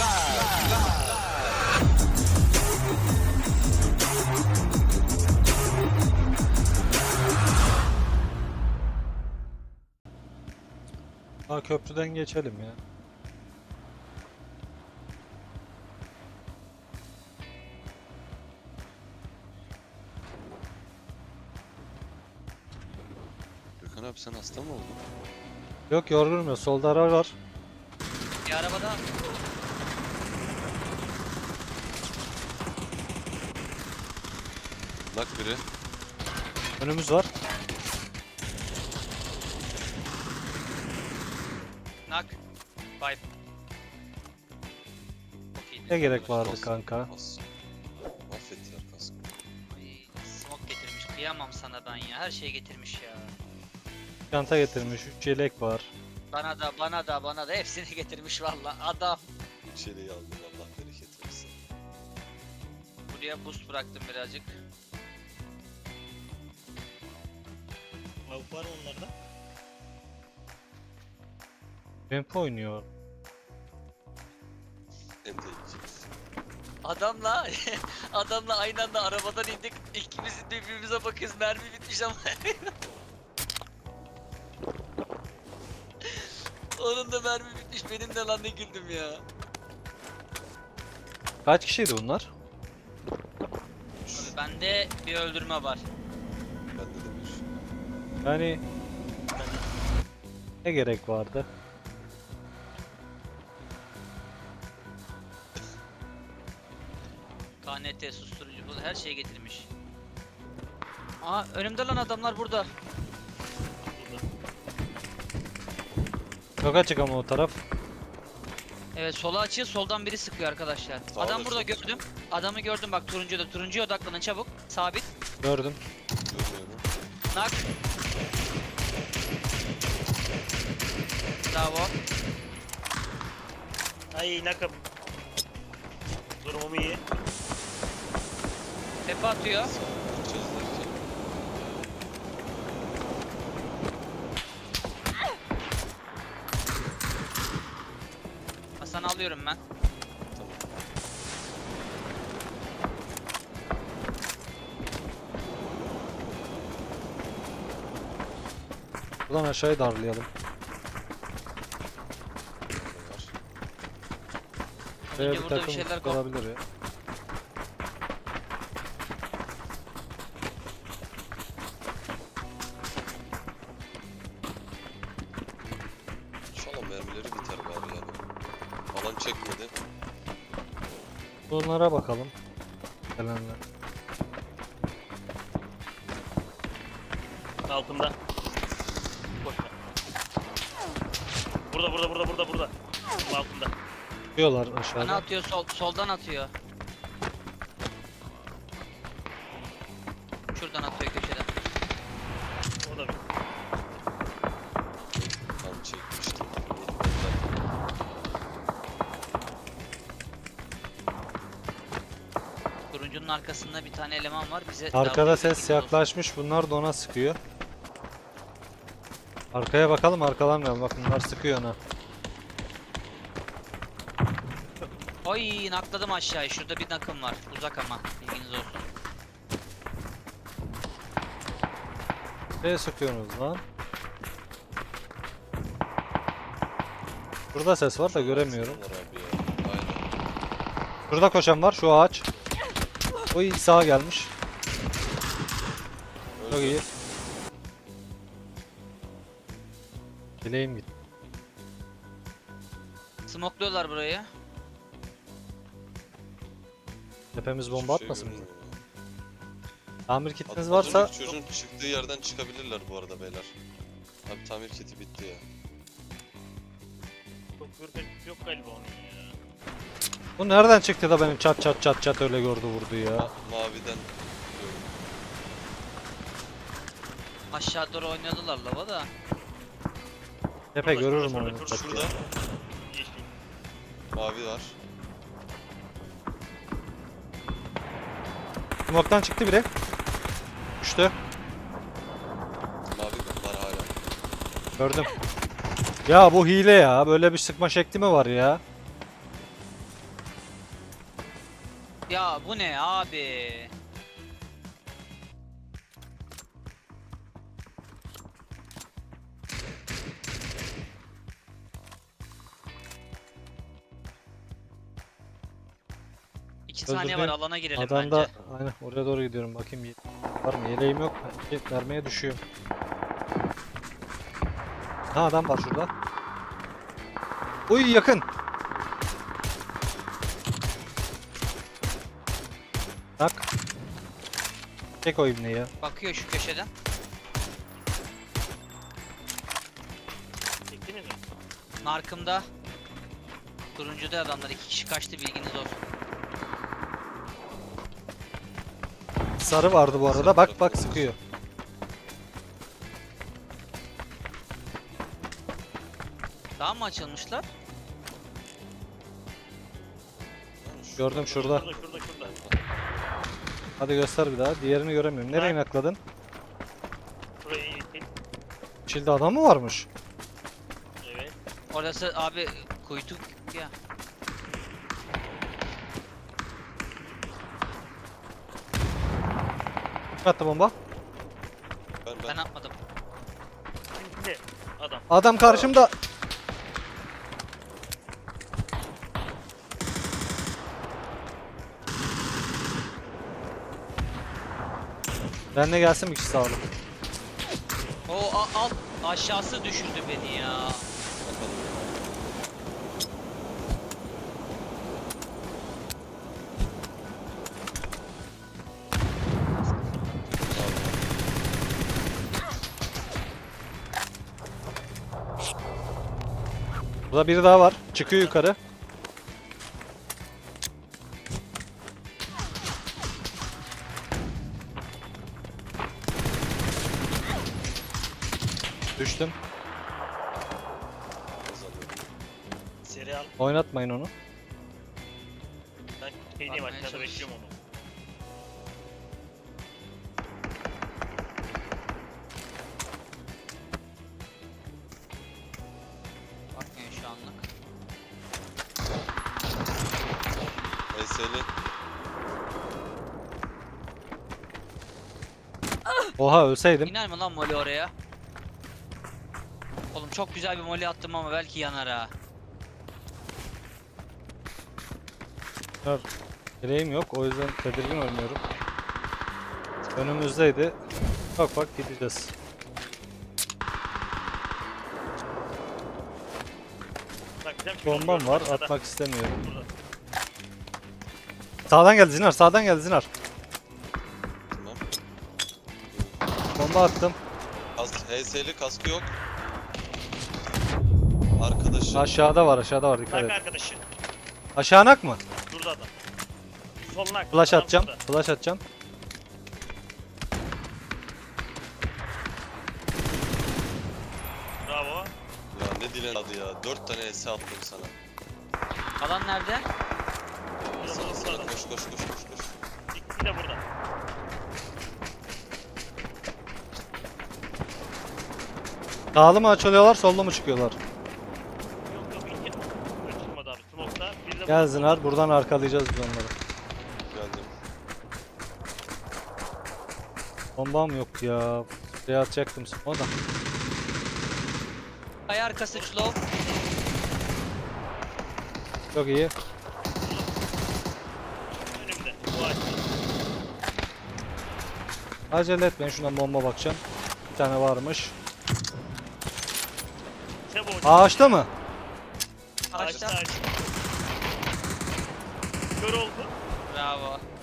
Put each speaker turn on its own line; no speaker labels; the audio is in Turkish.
Köprüden geçelim ya.
Gökhan abi sen hasta mı oldun?
Yok, yorgunum ya. Solda araba var.
Bir arabada
Bak biri.
Önümüz var.
nak. Vibe. Çok iyiydi.
Ne gerek vardı
Kask,
kanka?
kask. Mahvettiler kaskı.
Ay, smoke getirmiş. Kıyamam sana ben ya. Her şeyi getirmiş ya.
Çanta getirmiş. 3 yelek var.
Bana da hepsini getirmiş valla. Adam.
Üç yeleği aldım, Allah bereket versin.
Buraya boost bıraktım birazcık.
Avuk var mı onlarda?
Ramp oynuyor.
En tehlikeli.
Adamla adamla aynı anda arabadan indik. İkimiz birbirimize bakıyoruz. Mermi bitmiş ama. Onun da mermi bitmiş. Benim de lan ne güldüm ya.
Kaç kişiydi bunlar?
Abi bende bir öldürme var.
Bende de bir.
Yani ne gerek vardı?
KNT susturucu bu her şeyi getirmiş. Aa önümde lan adamlar burada.
Burada.
Çok açık ama o taraf.
Evet sola açıyor soldan biri sıkıyor arkadaşlar.
Sağ
Adam
ol,
burada
çok
gördüm. Adamı gördüm bak turuncuda. Turuncuya odaklanın çabuk. Sabit.
Gördüm.
Görmüyorum.
Nak. Bravo.
Ay nakım. Durumum iyi.
Tepe atıyor.
Sağ gideceğiz derken.
Hasan alıyorum ben.
Tamam.
Buradan aşağıya darlayalım.
Burada var.
Şuraya bir
burada bir
takım
şeyler
olabilir ya.
İnşallah mermileri biter bari yani. Alan çekmedi.
Bunlara bakalım. Gelenler.
Altımda. Boşver. Burada. Bu altında.
Çıkıyorlar
Bana
aşağıda.
atıyor soldan atıyor. Şuradan atıyor köşeden.
O da bir.
Tam çekmiştim.
Turuncunun arkasında bir tane eleman var. Bize
Arkada
davranıyor
ses
gibi olsun.
yaklaşmış. Bunlar da ona sıkıyor. Arkaya bakalım, arkalanmayalım. Bak bunlar sıkıyor ona.
Ay nakladım aşağıya. Şurada bir nakım var. Uzak ama. Bilginiz olsun.
Nereye sıkıyorsunuz lan? Burada ses var da göremiyorum.
Bunlar abi ya. Aynen.
Şurada koşan var, şu ağaç. Oy, sağa gelmiş. Çok iyi. Dileğim gitti.
Smokluyorlar burayı.
Tepemiz
Hiçbir
bomba
şey
atmasın mı?
görünmüyor.
Tamir kitiniz
Az
varsa
önceki çocuğun çıktığı yerden çıkabilirler bu arada beyler. Abi tamir kiti bitti ya.
Çok ürkek yok galiba onun ya.
bu nereden çıktı da benim çat öyle gördü vurdu ya.
Maviden diyorum.
Aşağı doğru oynadılar lava da.
Tepe
Şurada,
görürüm
şurada,
onu.
şurada,
çat
Şurada
ya.
Yeşil.
mavi var.
Smoke'tan çıktı biri. Düştü.
Mavi var hala.
Gördüm. Ya bu hile ya. Böyle bir sıkma şekli mi var ya?
Ya bu ne abi? İki saniye var,
Özür
alana girelim
Adam
bence.
da aynen oraya doğru gidiyorum. Bakayım var mı? Yeleğim yok. Vermeye düşüyor. Ha adam var şurada. Uy yakın. Bak. Çek o ibneyi ya.
Bakıyor şu köşeden.
Çektiniz mi?
Narkımda. Turuncuda adamlar 2 kişi kaçtı, bilginiz olsun.
Sarı vardı bu arada. Bak bak sıkıyor.
Daha mı açılmışlar?
Gördüm şurada.
Şurada.
Hadi göster bir daha. Diğerini göremiyorum. Nereye
Bak.
nakladın?
Şurayı itin.
Çilde adam mı varmış?
Evet.
Orası abi kuytu ya.
Kim attı bomba?
Ben atmadım.
Şimdi adam.
Adam karşımda. Ben de gelsin bir kişi sağ olun.
O alt aşağısı düşürdü beni ya.
Burada biri daha var. Çıkıyor yukarı. Düştüm.
Seri al.
Oynatmayın onu.
Ben şeydeyim,
Almaya
aşağıda
çalış.
bekliyorum onu.
Bakmıyor şu anlık.
ES'li.
Oha ölseydim.
İner mi lan moli oraya? Oğlum çok güzel bir moli attım ama belki yanar ha.
Direğim yok. O yüzden tedirgin oynuyorum. Önümüzdeydi. Bak bak gideceğiz.
Bak gideceğim şimdi.
Bombam var.
Aşağıda.
Atmak istemiyorum.
Burada.
Sağdan geldi Zinar. Sağdan geldi Zinar.
Tamam.
Bomba attım.
HS'li kaskı yok. Arkadaşı.
Aşağıda var. Aşağıda var. Dikkat
Bak
et.
arkadaşı.
Aşağı anak mı?
Şurada adam. Soluna.
Flash
adam
atacağım.
şurada.
Flash atacağım.
Bravo.
Ya ne dilen adı ya. 4 tane ES attım sana.
Alan nerede?
Sana sana koş.
İkisi de burada.
Sağlı mı açılıyorlar? Sollu mu çıkıyorlar?
Yok iki. Çıkmadı abi. Smoke'da. Bir de
Gel Zinar. Buradan arkalayacağız biz onları.
Geldim.
Bombam yok ya. Buraya atacaktım o da.
Ay arkası slow.
Çok iyi.
önümde. Bu açtı.
Acele etmeyin. Şuna bomba bakacağım. Bir tane varmış.
Çabuk.
Ağaçta mı?
Ağaçta.
Kör oldu.
Bravo.